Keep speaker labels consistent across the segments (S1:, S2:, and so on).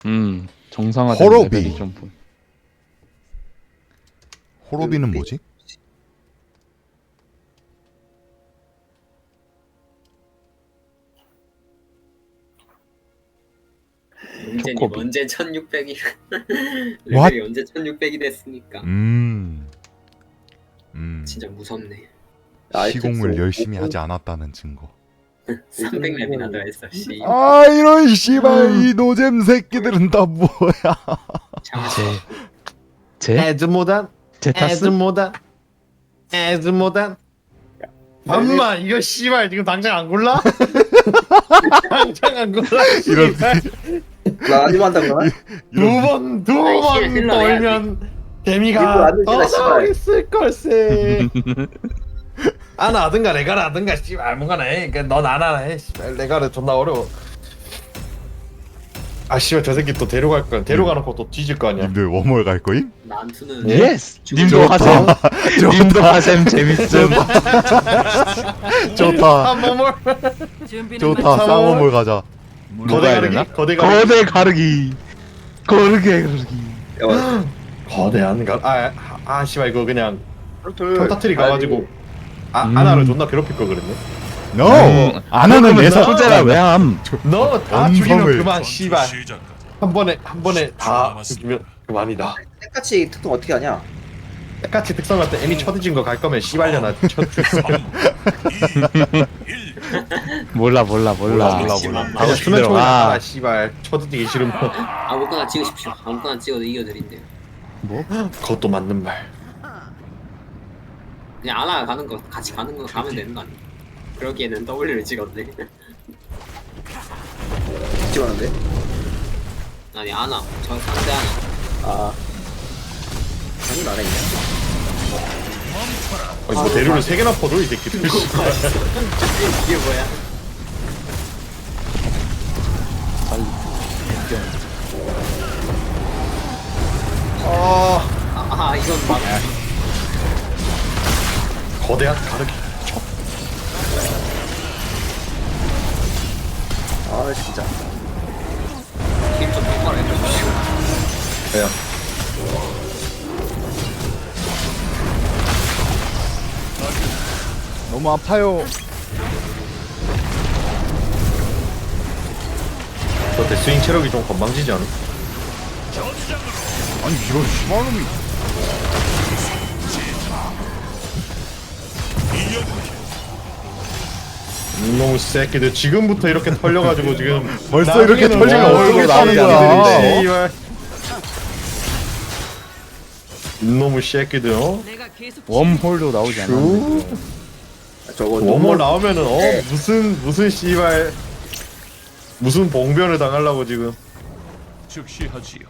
S1: 정상화된
S2: 호로비.
S1: 레벨이 좀 보여.
S2: 호로비는 뭐지?
S3: 문제님
S1: 초코비.
S3: 언제 1600이
S2: What?
S3: 레벨이 언제 1600이 됐습니까? 진짜 무섭네.
S2: 시공을 열심히 하지 않았다는 증거.
S3: 300렙이나 더 했어. 씨.
S2: 아 이런 씨발 이 노잼 새끼들은 다 뭐야?
S1: 제
S4: 에즈모단
S1: 제타스
S4: 에즈모단 에즈모단 잠만 이거 씨발 지금 당장 안 골라? 당장 안 골라
S2: 이런
S5: 나 아니면 한다거나?
S4: 두번
S3: 힐러
S4: 돌면
S5: 이거
S4: 데미가
S5: 안 되잖아,
S4: 더
S5: 씨발.
S4: 나오겠을 걸세 아나 하든가 레가를 하든가 씨발 아무거나 해 그러니까 넌 안 하나 해 씨발 레가를 존나 어려워 아 씨발 저 새끼 또 데려갈 거야 데려가놓고 또 뒤질 거 아니야
S2: 님들 워몰 갈 거임?
S3: 난투는
S1: 예스. 님도
S2: 좋다.
S1: 하셈. 님도 하셈 재밌음.
S2: 좋다
S4: 한몸을
S2: 좋다 쌍워몰 가자.
S4: 거대
S1: 해야
S4: 가르기?
S1: 되나?
S4: 거대 가르기?
S1: 거대 가르기. 거대 가르기.
S5: 야,
S4: 거대한 아 씨발 이거 그냥
S5: 트로틀.
S4: 평타트리 가가지고
S1: 음.
S4: 아나를 존나 괴롭힐 거 그랬네
S2: No 안 하는 내사
S1: 소재라 왜함?
S4: 너 다
S2: 원성을-
S4: 죽이면 그만 씨발 한 번에 다 죽이면 그만이다
S5: 똑같이 특성 어떻게 하냐?
S4: 똑같이 특성 같은 애미 쳐드진 거 갈 거면 씨발려나
S1: 몰라.
S2: 몰라.
S4: 하고 수면 총이 아 씨발 쳐드지기 싫으면
S3: 아무거나 찍으십시오. 아무거나 찍어도 이겨드린대요.
S4: 그것도 맞는 말
S3: 그냥 아나 가는 거 같이 가는 거 가면 되는 거 아니야? 그러기에는 W를 찍었네.
S5: 찍었는데?
S3: 아니 아나 저 상대 아나.
S5: 아. 아니, 나네, 그냥.
S4: 아니 뭐 대류를 3개나 퍼줘 이 새끼들 씨발
S3: 이게 뭐야? 이건 막
S4: 거대한 가르기
S5: 아, 진짜.
S3: 힘좀 똑바로 해주십시오.
S4: 야
S2: 너무 아파요.
S4: 저 데스윙 체력이 좀 건방지지 않아?
S2: 아니 이런 씨발놈이
S4: 이놈의 새끼들 지금부터 이렇게 털려가지고 지금
S2: 벌써 이렇게
S4: 나중에는
S2: 털리면
S4: 뭐
S2: 어쩌겠다는
S4: 얼굴
S2: 거야.
S4: 새끼들이 씨발. 이놈의 새끼들 어?
S1: 웜홀도 나오지 않았는데.
S5: 저거.
S4: 워머 나오면은 무슨 씨발 무슨 봉변을 당하려고 지금
S2: 즉시하지.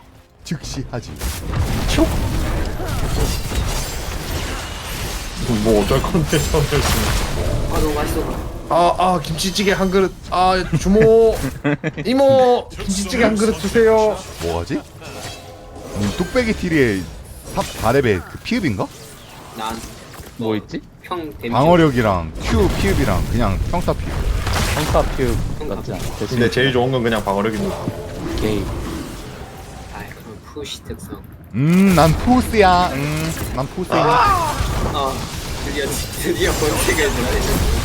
S4: 뭐 어쩔 건데 저는
S3: 아 너무 맛있어.
S4: 아 김치찌개 한 그릇 주모 이모 김치찌개 한 그릇 주세요
S2: 뭐하지? 뚝배기 티리의 4레벨 그 피읍인가?
S1: 뭐 있지?
S3: 평 데미지.
S2: 방어력이랑 Q 피읍이랑 그냥 평타 피읍.
S1: 평타 퓨 같지 않아?
S4: 근데 제일 좋은 건 그냥 방어력입니다
S1: 게임.
S3: 아 그럼 푸시 특성.
S2: 난 푸스야. 난 푸스야.
S3: 아 드디어 본색을 드러내는.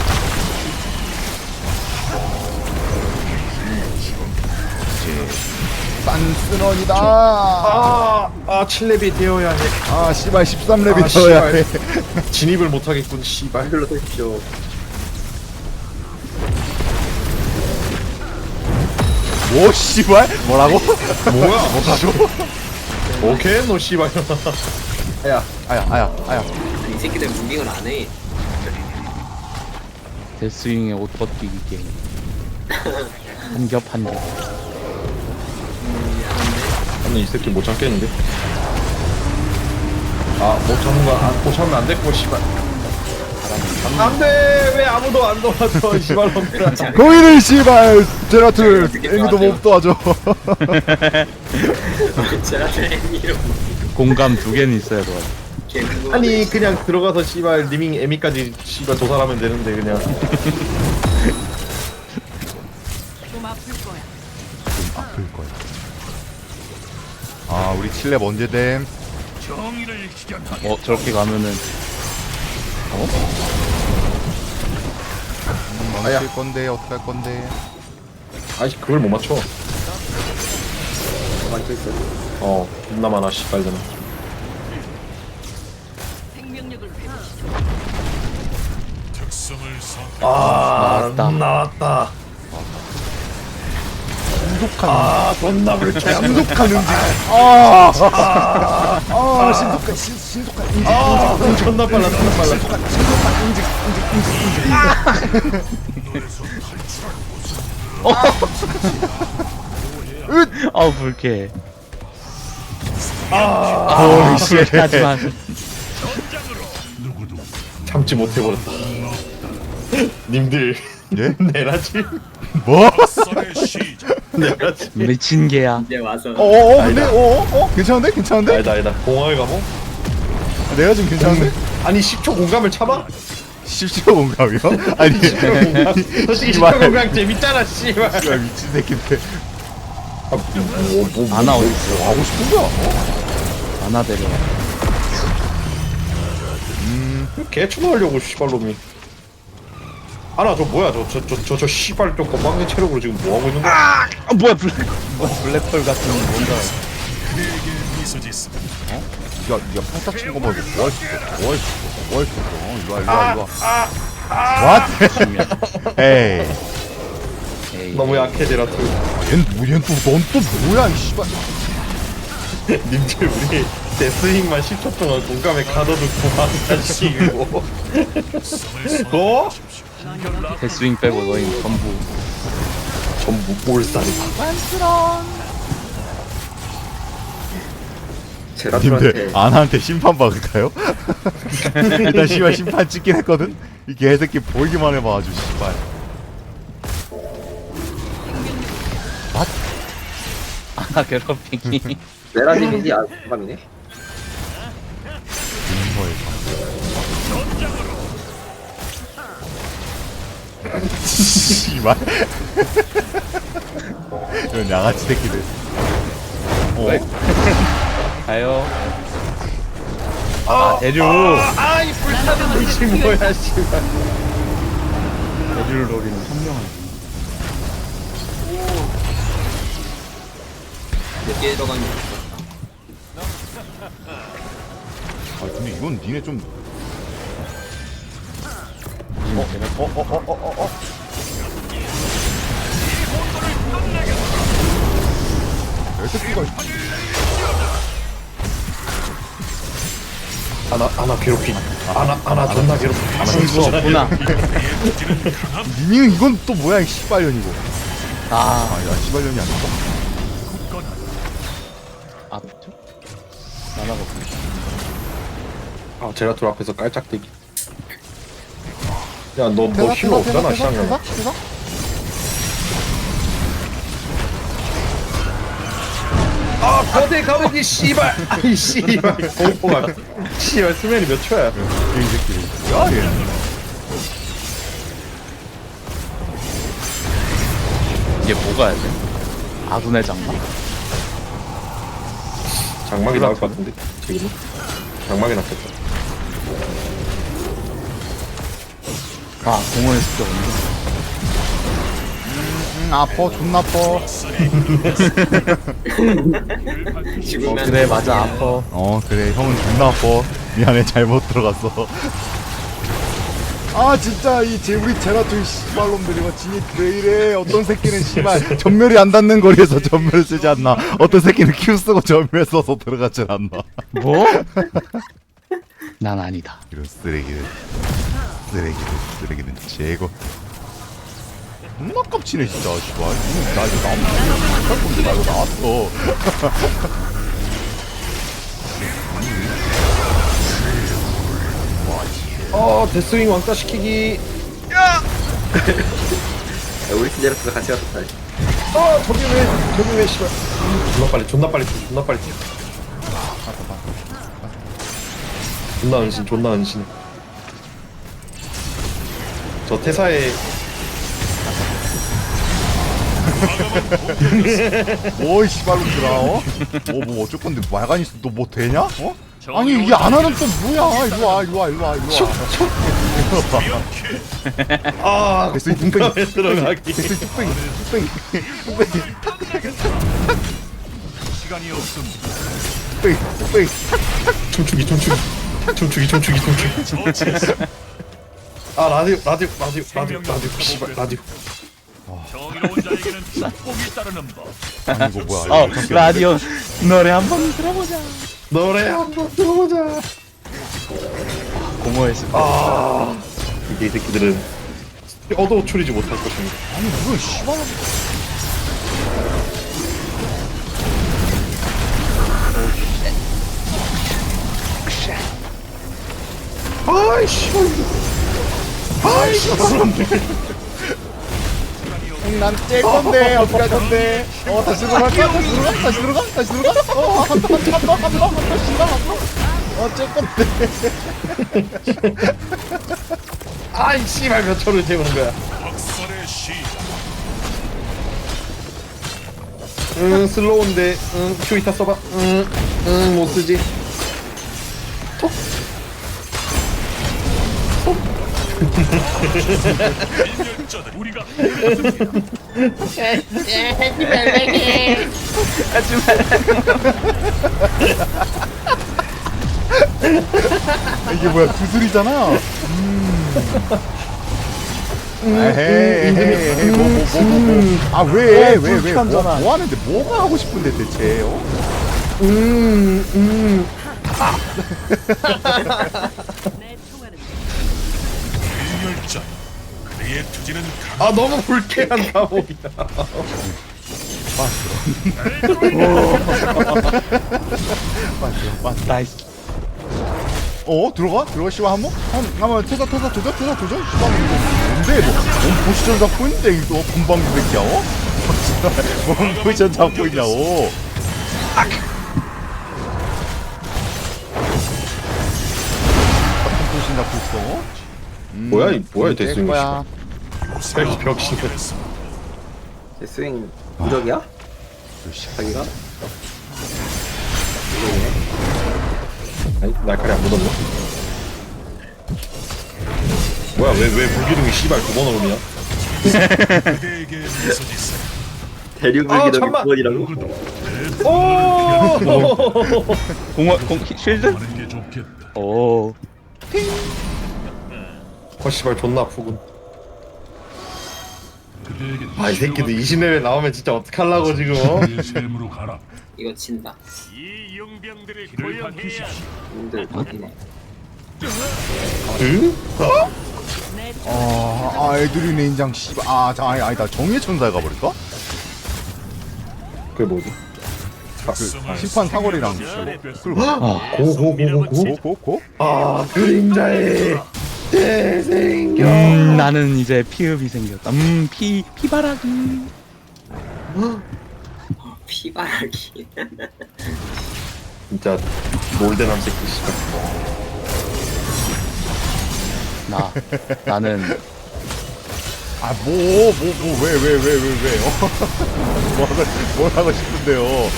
S2: 싼스런이다.
S4: 아 7렙이 되어야 해
S2: 아 씨발 13렙이
S4: 아,
S2: 되어야 해.
S4: 진입을 못하겠군 씨발
S5: 한글로 써주십시오.
S2: 오 씨발? 뭐라고?
S4: 뭐야 못하죠 오케이 너 씨발
S2: 아야.
S3: 이 새끼들 무빙을 안 해.
S1: 데스윙의 옷 벗기기 게임. 한겹.
S4: 아니 이 새끼 못 참겠는데 못 참는 거못 참으면 안 됐고 씨발 안돼 왜 아무도 안 도와줘 씨발 놈들아
S2: 거기는 씨발 제라툴 애미도 못 도와줘.
S3: 제라틀 애니로
S1: 공감 2개는 있어야 돼.
S4: 아니 그냥 들어가서 씨발 리밍 에미까지 씨발 조사하면 되는데 그냥
S2: 아플 거야. 아 우리 칠렙 언제 됨?
S1: 저렇게 가면은
S2: 망칠 건데 어떡할 건데?
S4: 아이씨 그걸 못 맞춰.
S5: 가만히 서 있어.
S4: 존나 많아 씨발들은.
S1: 나왔다.
S4: 나왔다.
S2: 신속한
S4: 존나 불쾌.
S2: 신속한 응징. 신속한 응징.
S4: 존나 빨라 존나 빨라.
S2: 신속한 응징.
S1: 아우 불쾌해.
S2: 씨.
S1: 하지만
S4: 참지 못해버렸다. 님들
S2: 예?
S4: 내라지.
S2: 뭐?
S4: 내라지.
S1: 미친 개야.
S3: 이제 와서
S2: 근데 괜찮은데? 괜찮은데?
S4: 아니다. 공항을 가고.
S2: 내가 지금 괜찮은데?
S4: 아니 10초 공감을 참아?
S2: 10초 공감이요? 아니
S4: 10초 공감. 솔직히 10초
S2: 씨발.
S4: 공감 재밌잖아 씨발.
S2: 씨발 미친 새끼인데.
S1: 아나 어디 있어?
S2: 하고 싶은 거야?
S1: 아나 데려.
S4: 개추노하려고 씨발놈이. 아나 저 뭐야 저 씨발 저 건방진 체력으로 지금 뭐 하고 있는 거야?
S1: 뭐야 블랙홀 같은 뭔가.
S2: 야, 네가 팔딱 친 거만 뭐할 수 있어? 뭐할 수 있어? 뭐할 수 있어? 이리 와, 이리 와. What? 에이.
S1: 에이.
S4: 너무 약해 제라투.
S2: 넌또 뭐야, 이 씨발.
S4: 님들 우리 데스윙만 10초 동안 공감에 가둬두고 망가시고. 어?
S1: 데스윙 빼고 너희
S4: 전부 몰살이다.
S5: 제라툴한테
S2: 님들 아나한테 심판 박을까요? 일단 씨발 심판 찍긴 했거든. 이 개새끼 보이기만 해봐 아주 씨발.
S1: 아나 괴롭히기.
S5: 메라님이지 공감이네.
S2: 씨발. 이런 양아치 새끼들.
S1: 가요. 대류.
S4: 아이 불타는 물지 뭐야 씨발.
S1: 대류를 노리는 현명한.
S3: 몇 개 들어가는 거
S2: 아 근데 이건 니네 좀. 개새끼가.
S4: 아나 괴롭히. 아나 존나 괴롭히.
S1: 신수 없구나.
S2: 니는 이건 또 뭐야 이 씨발년이고.
S1: 아,
S2: 아야 씨발년이 아니고.
S1: 앞쪽? 나나가 없네.
S4: 제라툴 앞에서 깔짝대기. 야 너 힐러 없잖아 시장님. 거대 가보기 씨발. 아이 씨발 공포가. 씨발 수면이 몇 초야?
S2: 이 새끼. 야 얘.
S1: 이게 뭐가 해야 돼? 아둔의 장막?
S4: 장막이 나올 것 같은데 지금. 장막이 났겠다.
S1: 아, 공원에 습격 없네.
S2: 아퍼 존나 아퍼.
S3: 죽으면
S1: 그래, 맞아, 아파.
S2: 그래 형은 존나 아퍼. 미안해 잘못 들어갔어. 아 진짜 우리 제라툴 씨발놈들이 막 진이 왜 이래. 어떤 새끼는 씨발 전멸이 안 닿는 거리에서 전멸을 쓰지 않나. 어떤 새끼는 Q 쓰고 전멸 써서 들어가질 않나.
S1: 뭐? 난 아니다.
S2: 이런 쓰레기는 제거. 존나 깝치네 진짜 씨발. 나 이거 나할 건데 나 이거 나왔어.
S4: 데스윙 왕따 시키기.
S5: 야, 우리 팀 제라툴 같이 갔었다.
S4: 저기 왜 씨발. 존나 빨리 튀어. 존나 은신. 저 태사에
S2: 뭐이 씨발놈들아 어? 뭐 어쩔 건데 말간 있어 너 뭐 되냐? 어? 아니 이게 안 하는 또 뭐야 일로와
S4: 아
S2: 됐어 이 뚱땡이
S4: 들어가기.
S2: 됐어 이 뚱땡이
S6: 시간이 없습니다.
S2: 뚱땡이
S4: 춤추기. 아 라디오 씨발 라디오.
S6: 정의로운 자에게는 축복이 따르는 법.
S2: 아니 이거 뭐야
S1: 어 라디오 노래 한번 들어보자.
S4: 노래 한번 들어보자.
S1: 공허했을 때.
S4: 아 이게 이 새끼들은 얻어 추리지 못할 것입니다.
S2: 아니 이거 씨발
S4: 아이씨.
S2: 난뗄 건데 어떻게 할 건데 다시 들어갈까? 다시 들어가? 한번 씨발 뗄 건데
S4: 아이 씨발 몇 초를 재우는 거야.
S6: 박살의 시작.
S4: 슬로우인데 큐 이타 써봐. 못 쓰지.
S6: 인열자들 우리가
S2: 이게 뭐야 구슬이잖아 에헤이 뭐 뭐 하는데 뭐가 하고 싶은데 대체
S6: 인열자. 그의 투지는
S4: 아 너무 불쾌한 감옥이다.
S1: 나이스.
S2: 들어가 씨발 한번 퇴사 조져 씨발 뭔데 뭔 포지션 잡고 있는데 이거 금방 새끼야 뭔 포지션 잡고 있냐고 같은 포지션 잡고 있어
S4: 뭐야 이 대승이.
S2: 거야
S4: 벽신.
S5: 제 스윙 무적이야? 자기가?
S4: 아니 날카리 안 묻었네. 뭐야 왜 불기둥이 씨발 9번 오르냐?
S6: 그대에게 미소짓어.
S5: 대륙물기둥이
S4: 잠만.
S5: 9번이라고?
S4: 오.
S1: 공 쉴드?
S6: 하는 게 좋겠다.
S1: 오.
S4: 씨발 존나 아프군.
S6: 그대에게
S4: 아 이 새끼들 20레벨 나오면 진짜 어떡하려고 지금
S6: 그의 셈으로 가라.
S3: 이거 진다.
S6: 이 용병들을 길을 밝히십시오.
S3: 님들 거기네.
S4: 응?
S2: 애들이네 인장 씨발 아니다 정의의 천사에 가버릴까?
S4: 그게 뭐지?
S2: 심판 사거리랑 끌고
S4: 고고고고고? 아 그림자의 재생겨.
S1: 나는 이제 피읍이 생겼다. 피바라기.
S3: 피바라기.
S4: 진짜 몰대남 새끼 씨발.
S1: 나는
S2: 왜 뭘 하고 싶은데요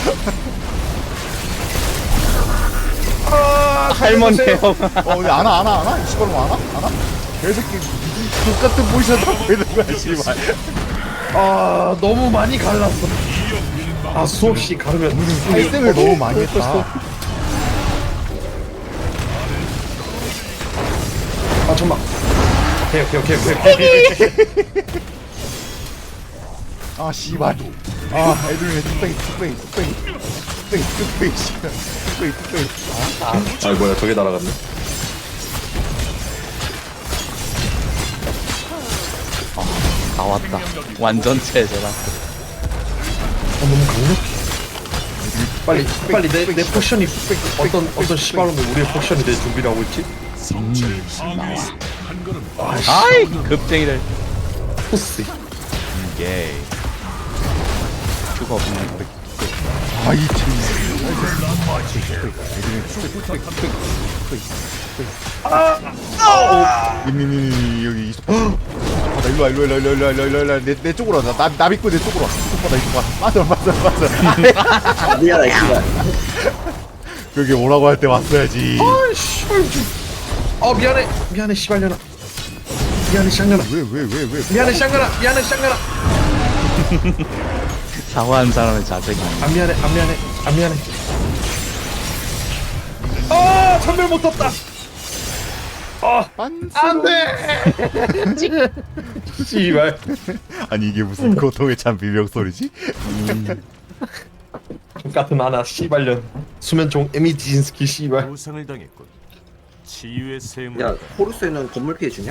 S1: 할머니요.
S2: 근데 안아? 씨발 뭐 안아? 개새끼 똑같은 포지션 잡고 있는 거야 씨발
S4: 아 너무 많이 갈랐어. 아 수없이 가르면
S2: 살생을 너무 많이 했다
S4: 아 잠만. 오케이.
S2: 아 씨발 애들이네 뚝배기 씨발 뚝배기
S4: 아 뭐야 저게 날아갔네.
S1: 나왔다. 완전체 제라.
S4: 너무 강력해. 빨리 내 포션이 어떤 씨발놈이 우리의 포션이 될 준비를 하고 있지?
S6: 성체의 파괴. 한 걸음
S1: 아이 급쟁이들.
S4: 포스.
S2: 이게
S1: 큐가 없네.
S2: 이 팀 애들이 여기 있어 나 일로 와 일로 와 일로 와 일로 와 일로 와 내 쪽으로 와. 나 믿고 내 쪽으로 와. 이쪽 봐. 빠져.
S5: 미안해 씨발.
S2: 그게 뭐라고 할 때 왔어야지.
S4: 아 씨발 미안해 씨발년아. 미안해 샹년아.
S2: 왜?
S4: 미안해 샹년아. 미안해 샹년아.
S1: 사과한 사람의 자세가
S4: 안 미안해. 아 전멸 못 떴다. 안돼. 씨발.
S2: 아니 이게 무슨 고통에 찬 비명 소리지?
S4: 같은 하나 씨발년. 수면총 에미지인스키 씨발.
S6: 부상을 당했군. 치유의 샘.
S5: 야 호루스에는 건물 피해 주냐?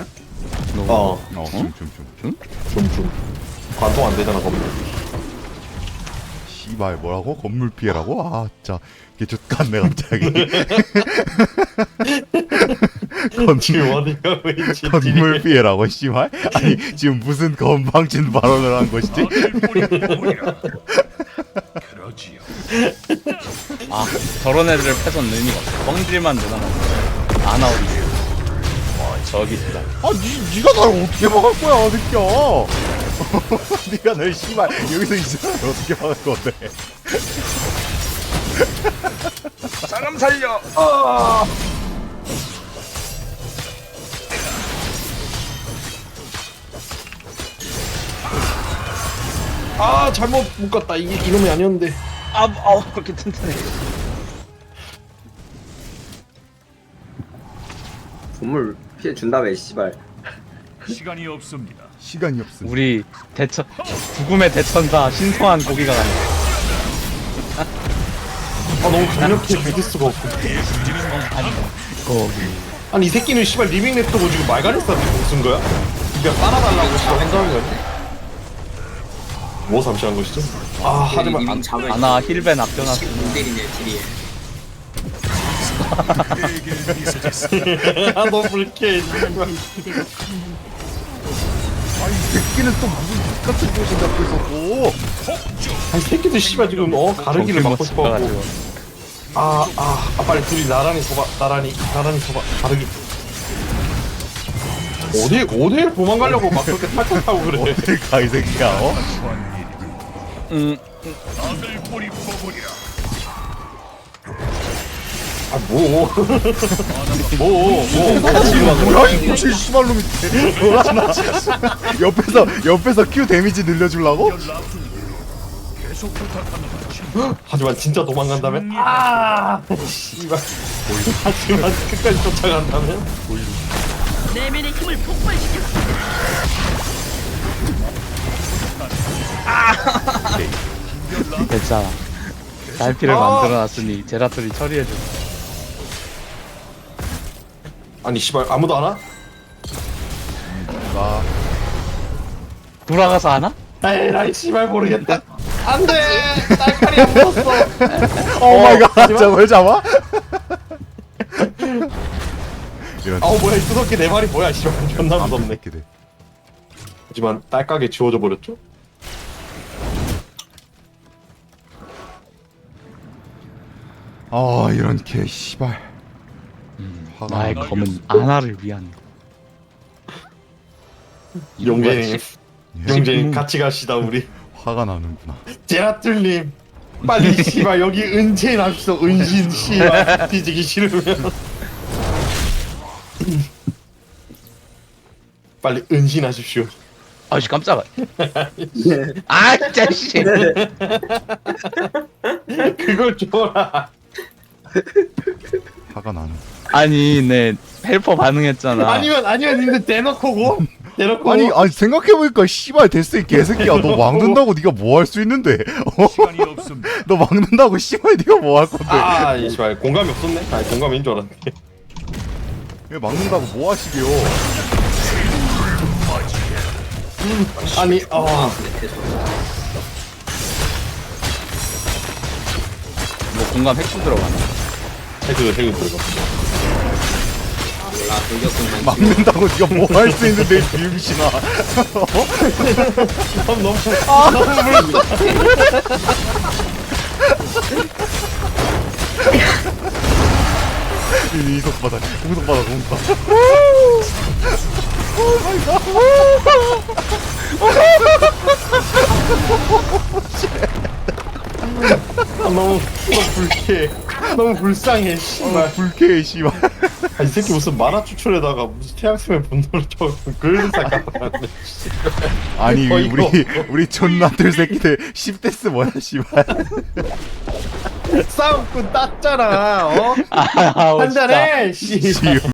S4: 좀 관통 안 되잖아 건물.
S2: 씨발 뭐라고? 건물 피해라고? 아 진짜 개죽같네 갑자기.
S4: 지금 어디가 보이지?
S2: 건물 피해라고 씨발? 아니 지금 무슨 건방진 발언을 한 것이지?
S6: 악을 뿌리라. 그러지요.
S1: 아 저런 애들을 패선 의미가 없어. 뻥질만 늘어나는 안 나오지. 저기 있다.
S2: 아 니가 나를 어떻게 막을 거야 느껴. 니가 날 씨발 여기서 있으면 어떻게 막을 건데?
S4: 사람 살려. 아 잘못 묶었다. 이게 이놈이 아니었는데.
S1: 그렇게 튼튼해.
S5: 건물 피해 준다며 씨발.
S6: 시간이 없습니다.
S2: 시간이 없음.
S1: 우리 대천 죽음의 대천사 신성한 고기가 가네.
S4: 아 너무 강력해 믿을 수가 없어.
S1: 고기.
S4: 아니 이 새끼는 씨발 리빙 랩터고 지금 말가리스한테 공쓴 거야? 니가 따라달라고 씨발 행동한 거야? 뭐 잠시한 것이죠? 아 하지만
S3: 이밍 잡을
S1: 아나 힐벤 아껴놨어.
S3: 공들이네 딜이에.
S4: 너 불쾌해.
S2: 아니 이 새끼는 또 무슨 같은 곳을 잡고 있었고.
S4: 아니 새끼들 씨발 지금 가르기를 막고 싶어가지고. 빨리 둘이 나란히 서봐. 나란히 서봐. 가르기. 어딜 도망가려고 막 그렇게 탈탈 타고 그래.
S2: 어딜 가 이 새끼야? 어?
S6: 악을 뿌리 뽑으리라.
S2: 뭐야 이 미친 씨발놈이 뭐라나? 옆에서 Q 데미지 늘려주려고?
S6: 계속 부탁합니다.
S4: 하지만 진짜 도망간다면? 씨발. 하지만 끝까지 쫓아간다면?
S7: 내면의 힘을 폭발시켜.
S1: 됐잖아. 달피를 만들어놨으니 제라툴이 처리해줘.
S4: 아니 씨발 아무도 안 와?
S2: 나
S1: 돌아가서 하나?
S4: 에라이 씨발 모르겠다. 안돼. 딸칼이 안 붙었어.
S2: 오 마이 갓 저걸 잡아? 이런
S4: 뭐야 이 두껍게 네 마리 뭐야 씨발 존나 무섭네.
S2: 새끼들.
S4: 하지만 딸깍에 지워져 버렸죠?
S2: 아 이런 개 씨발. 화가
S1: 나의
S2: 나.
S1: 검은 아나를 위한.
S4: 용재님 같이 갑시다 우리.
S2: 화가 나는구나.
S4: 제라툴님 빨리 씨발 여기 은신 합시다. 은신 씨발 뒤지기 싫으면 빨리 은신하십시오.
S1: 아씨 깜짝아. 아 진짜 씨.
S4: 그걸 줘라.
S2: 화가 나는.
S1: 아니 내 헬퍼 반응했잖아.
S4: 아니면 근데 대놓고고
S2: 아니 생각해보니까 씨발 데스이 개새끼야. 너 막는다고 네가 뭐 할 수 있는데?
S6: 시간이 없습니다.
S2: 너 막는다고 씨발 네가 뭐 할 건데?
S4: 이 씨발 공감이 없었네. 공감인 줄 알았는데.
S2: 왜 막는다고 뭐 하시게요?
S4: 아니
S3: 근데 계속
S1: 뭐 공감 핵수 들어가나?
S4: 해그 들어가.
S3: 몰라 돌격군만
S2: 막는다고 네가 뭐 할 수 있는데 비음신아.
S4: 너무
S2: 이속 받아. 공속 받아. 공속 받아.
S4: 너무 불쾌해. 너무 불쌍해 씨발.
S2: 불쾌해 씨발.
S4: 아, 이 새끼 무슨 만화 추출에다가 무슨 태양sem의 분노를 쳐 그런 생각 나네.
S2: 아니
S4: 어이가
S2: 우리 존나들 새끼들 10대스 뭐야 씨발.
S4: 싸움꾼 땄잖아. 어?
S1: 아,
S4: 한잔해. 씨.
S2: 씨.